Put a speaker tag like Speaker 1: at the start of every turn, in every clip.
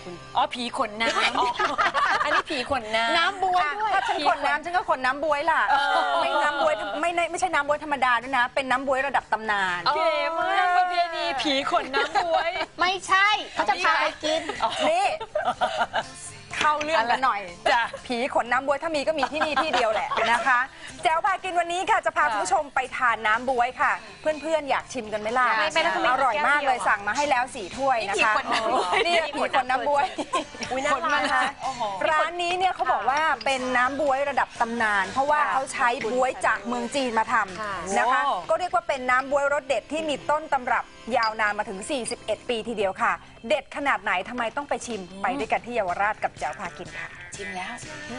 Speaker 1: คุณ
Speaker 2: อ๋อผีขนน้ำอันนี้ผีขนน้ำ
Speaker 1: บวยด้วย
Speaker 3: ถ้าฉันขนน้ำฉันก็ขนน้ำบวยล่ะไม่น้ำบวยไม่ใช่น้ำบวยธรรมดาด้วยนะเป็นน้ำบวยระดับตำนาน
Speaker 2: เก๋มากประเพณีผีขนน้ำบวย
Speaker 1: ไม่ใช่เขาจะพาไปกิน
Speaker 3: นี่เข้าเรื่องกันหน่อย
Speaker 2: จ้ะ
Speaker 3: ผีขนน้ำบวยถ้ามีก็มีที่นี่ที่เดียวแหละนะคะแจ๋วพากินวันนี้ค่ะจะพาคุณผู้ชมไปทานน้ำบวยค่ะเพื่อนๆอยากชิมกันไหมล่ะอร่อยมากเลยสั่งมาให้แล้ว4 ถ้วยนะคะนี่ผีขนน้ำบวยขนมาร้านนี้เนี่ยเขาบอกว่าเป็นน้ำบวยระดับตำนานเพราะว่าเขาใช้บวยจากเมืองจีนมาทำนะคะก็เรียกว่าเป็นน้ำบวยรสเด็ดที่มีต้นตำรับยาวนานมาถึง41 ปีทีเดียวค่ะเด็ดขนาดไหนทำไมต้องไปชิมไปด้วยกันที่เยาวราชกับแจ๋วพากินค่ะ
Speaker 2: ชิมแล้ว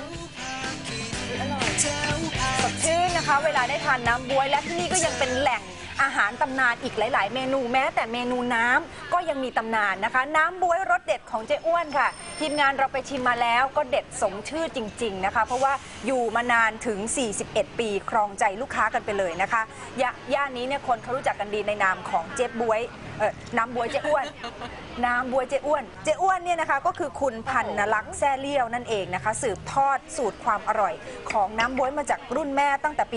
Speaker 3: สดชื่นนะคะเวลาได้ทานน้ำบ๊วยและที่นี่ก็ยังเป็นแหล่งอาหารตำนานอีกหลายๆเมนูแม้แต่เมนูน้ำก็ยังมีตำนานนะคะน้ำบ๊วยรสเด็ดของเจ๊อ้วนค่ะทีมงานเราไปชิมมาแล้วก็เด็ดสมชื่อจริงๆนะคะเพราะว่าอยู่มานานถึง41 ปีครองใจลูกค้ากันไปเลยนะคะย่านนี้เนี่ยคนเขารู้จักกันดีในนามของเจ๊บ๊วยน้ำบ๊วยเจ๊อ้วนน้ำบ๊วยเจ๊อ้วนเจ๊อ้วนเนี่ยนะคะก็คือคุณพันนลักษณ์แซ่เลี่ยวนั่นเองนะคะสืบทอดสูตรความอร่อยของน้ำบ๊วยมาจากรุ่นแม่ตั้งแต่ปี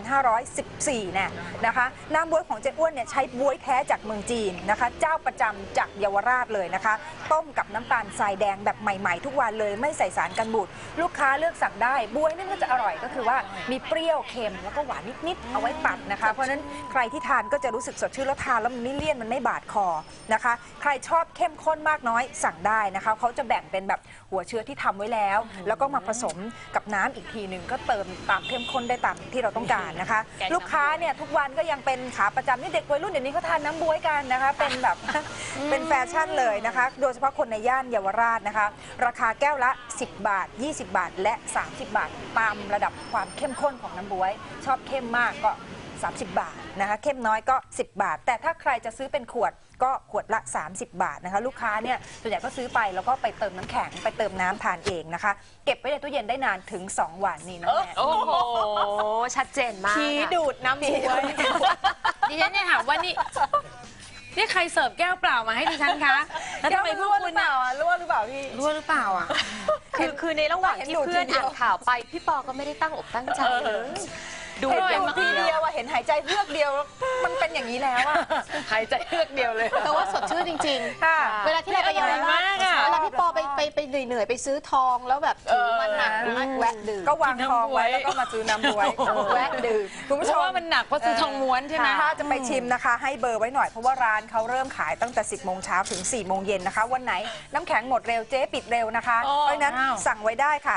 Speaker 3: 2514นะคะน้ำบ๊วยของเจ๊อ้วนเนี่ยใช้บ๊วยแท้จากเมืองจีนนะคะเจ้าประจำจากเยาวราชเลยนะคะต้มกับน้ำตาลทรายแดงแบบใหม่ๆทุกวันเลยไม่ใส่สารกันบูดลูกค้าเลือกสั่งได้บ๊วยนั่นก็จะอร่อยก็คือว่ามีเปรี้ยวเค็มแล้วก็หวานนิดๆเอาไว้ตัดนะคะเพราะฉะนั้นใครที่ทานก็จะรู้สึกสดชื่นแล้วทานแล้วมันไม่เลี่ยนมันไม่บาดคอนะคะใครชอบเข้มข้นมากน้อยสั่งได้นะคะเขาจะแบ่งเป็นแบบหัวเชื้อที่ทำไว้แล้วแล้วก็มาผสมกับน้ำอีกทีหนึ่งก็เติมตามเข้มข้นได้ตามที่เราต้องการนะคะลูกค้าเนี่ยทุกวันก็ยังเป็นขาประจำนี่เด็กวัยรุ่นเดี๋ยวนี้เขาทานน้ำบ๊วยกันนะคะเป็นแบบเป็นแฟชั่นเลยนะคะโดยเฉพาะคนในย่านเยาวราชนะคะราคาแก้วละ10 บาท20 บาทและ30 บาทตามระดับความเข้มข้นของน้ำบ๊วยชอบเข้มมากก็30 บาทนะคะเข้มน้อยก็10 บาทแต่ถ้าใครจะซื้อเป็นขวดก็ขวดละ30 บาทนะคะลูกค้าเนี่ยส่วนใหญ่ก็ซื้อไปแล้วก็ไปเติมน้ำแข็งไปเติมน้ำทานเองนะคะเก็บไว้ในตู้เย็นได้นานถึง2 วันนี่นะแม่
Speaker 2: โอ้โหชัดเจนมาก
Speaker 1: ชี้ดูดน้ำบ๊วย
Speaker 2: ดิฉันเนี่ยถามว่านี่ใครเสิร์ฟแก้วเปล่ามาให้ดิฉันคะแล้วทำไมพวกคุณน่ะ
Speaker 3: รั่วหรือเปล่าพี่
Speaker 2: รั่วหรือเปล่าอ่ะ
Speaker 1: คือในระหว่างที่เพื่อนอ่านข่าวไปพี่ปอก็ไม่ได้ตั้งอกตั้งใจเลย
Speaker 3: ดูทีเดียวเห็นหายใจเฮือกเดียวมันเป็นอย่างนี้แล้วอะ
Speaker 2: หายใจเฮือกเดียวเลย
Speaker 1: แต่ว่าสดชื่นจริงๆเวลาที่เราไปเยาวราชเวลาพี่ปอไปเหนื่อยไปซื้อทองแล้วแบบถือมันหนักแวะดื่ม
Speaker 3: ก็วางทองไว้แล้วก็มาซื้อน้ำบ๊วย
Speaker 1: แวะดื่ม
Speaker 3: คุณผู้ชม
Speaker 2: ว่ามันหนักเพราะซื้อทองม้วนใช่ไหม
Speaker 3: ถ้าจะไปชิมนะคะให้เบอร์ไว้หน่อยเพราะว่าร้านเขาเริ่มขายตั้งแต่10 โมงเช้าถึง4 โมงเย็นนะคะวันไหนน้ำแข็งหมดเร็วเจ๊ปิดเร็วนะคะเพราะนั้นสั่งไว้ได้ค่ะ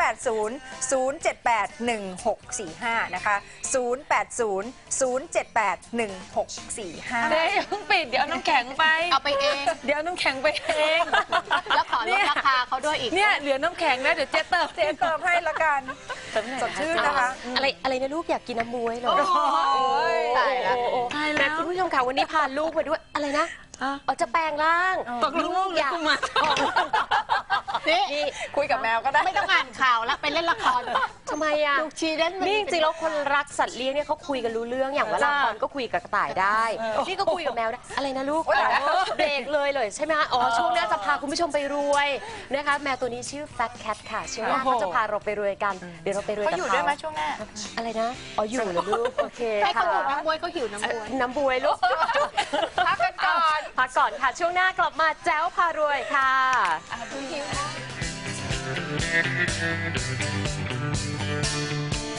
Speaker 3: 0800781645นะคะ0800781645
Speaker 2: เดี๋ยวเพิ่งปิดเดี๋ยวเอาน้ำแข็งไป
Speaker 1: เอาไปเอง
Speaker 2: เดี๋ยวน้ำแข็งไปเอง
Speaker 1: แล้วขอลดราคาเขาด้วยอีก
Speaker 2: เนี่ยเหลือน้ำแข็งนะเดี๋ยวเจ๊เติม
Speaker 3: ให้ละกันสดชื่นนะคะ
Speaker 1: อะไรนะลูกอยากกินน้ำบ๊วยเลยตายแล้วคุณผู้ชมค่ะวันนี้พาลูกมาด้วยอะไรนะจะแปลงร่าง
Speaker 2: ตกลูกอยากมา
Speaker 1: นี่
Speaker 3: คุยกับแมวก็ได้
Speaker 1: ไม่ต้องอ่านข่าวแล้วไปเล่นละครทำไมอ่ะลูกชีเล่นนี่จริงๆแล้วคนรักสัตว์เลี้ยงเนี่ยเขาคุยกันรู้เรื่องอย่างว่าละครก็คุยกับกระต่ายได้นี่ก็คุยกับแมวได้อะไรนะลูกเบรกเลยใช่ไหมอ๋อช่วงหน้าจะพาคุณผู้ชมไปรวยนะคะแมวตัวนี้ชื่อ Fat Cat ค่ะช่วงหน้าเขาจะพาเราไปรวยกันเดี๋ยวเราไปรวยกันเขา
Speaker 3: อยู่ด้วยไหมช่วงหน้า
Speaker 1: อะไรนะอ๋ออยู่เหรอลูกโอเคให้เขาดูน้ำบ๊วยเขาหิวน้ำบ๊วยลูก
Speaker 3: พักกันก่อน
Speaker 1: ค่ะช่วงหน้ากลับมาแจ๋วพารวยค่ะ
Speaker 3: หิว